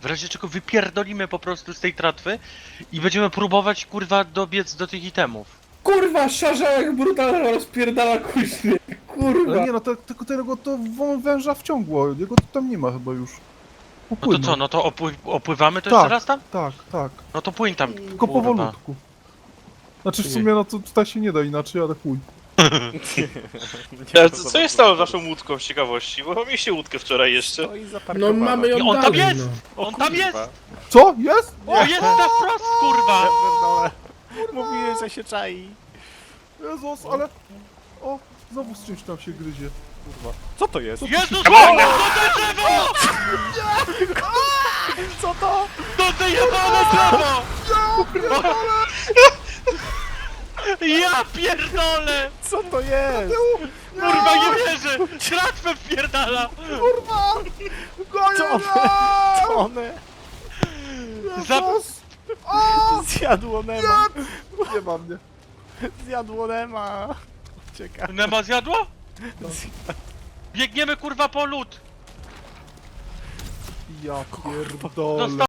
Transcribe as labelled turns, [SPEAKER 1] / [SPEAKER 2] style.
[SPEAKER 1] W razie czego wypierdolimy po prostu z tej tratwy i będziemy próbować, kurwa, dobiec do tych itemów.
[SPEAKER 2] Kurwa, szarżałek brutalnie rozpierdala kuźnie. Kurwa.
[SPEAKER 3] Ale nie no, tylko tego to węża wciągło, jego tam nie ma chyba już.
[SPEAKER 1] No to
[SPEAKER 3] Upłynął.
[SPEAKER 1] co, no to opływamy to
[SPEAKER 3] Tak.
[SPEAKER 1] jeszcze raz tam?
[SPEAKER 3] Tak.
[SPEAKER 1] No to płyń tam,
[SPEAKER 3] Tylko
[SPEAKER 1] kurwa.
[SPEAKER 3] powolutku. Znaczy w sumie no to tutaj się nie da inaczej, ale chuj.
[SPEAKER 4] Co jest stało z waszą łódką z ciekawości? Bo mieliście łódkę wczoraj jeszcze.
[SPEAKER 5] Stoi
[SPEAKER 2] No
[SPEAKER 5] zaparkowana.
[SPEAKER 2] mamy ją
[SPEAKER 1] I on tam
[SPEAKER 2] dalej,
[SPEAKER 1] jest!
[SPEAKER 2] no.
[SPEAKER 1] On tam jest!
[SPEAKER 3] Co? Jest?
[SPEAKER 1] O, jest na wprost, kurwa!
[SPEAKER 5] Pierdolę. Mówiłem, że się czai.
[SPEAKER 3] Jezus, ale... O, znowu z czymś tam się gryzie.
[SPEAKER 5] Kurwa. Co to jest?
[SPEAKER 1] Jezus, Maria, to te drzewo!
[SPEAKER 5] Co to?
[SPEAKER 1] To te jebane drzewo! Ja pierdolę!
[SPEAKER 5] Co to jest?
[SPEAKER 1] Kurwa, nie wierzę! Tratwę wpierdala!
[SPEAKER 5] To one
[SPEAKER 1] Za...
[SPEAKER 5] zjadło Nema.
[SPEAKER 3] Nie ma mnie.
[SPEAKER 5] Zjadło Nema. Uciekaj.
[SPEAKER 1] Nema zjadło? Biegniemy, kurwa, po lód!
[SPEAKER 3] Ja pierdolę.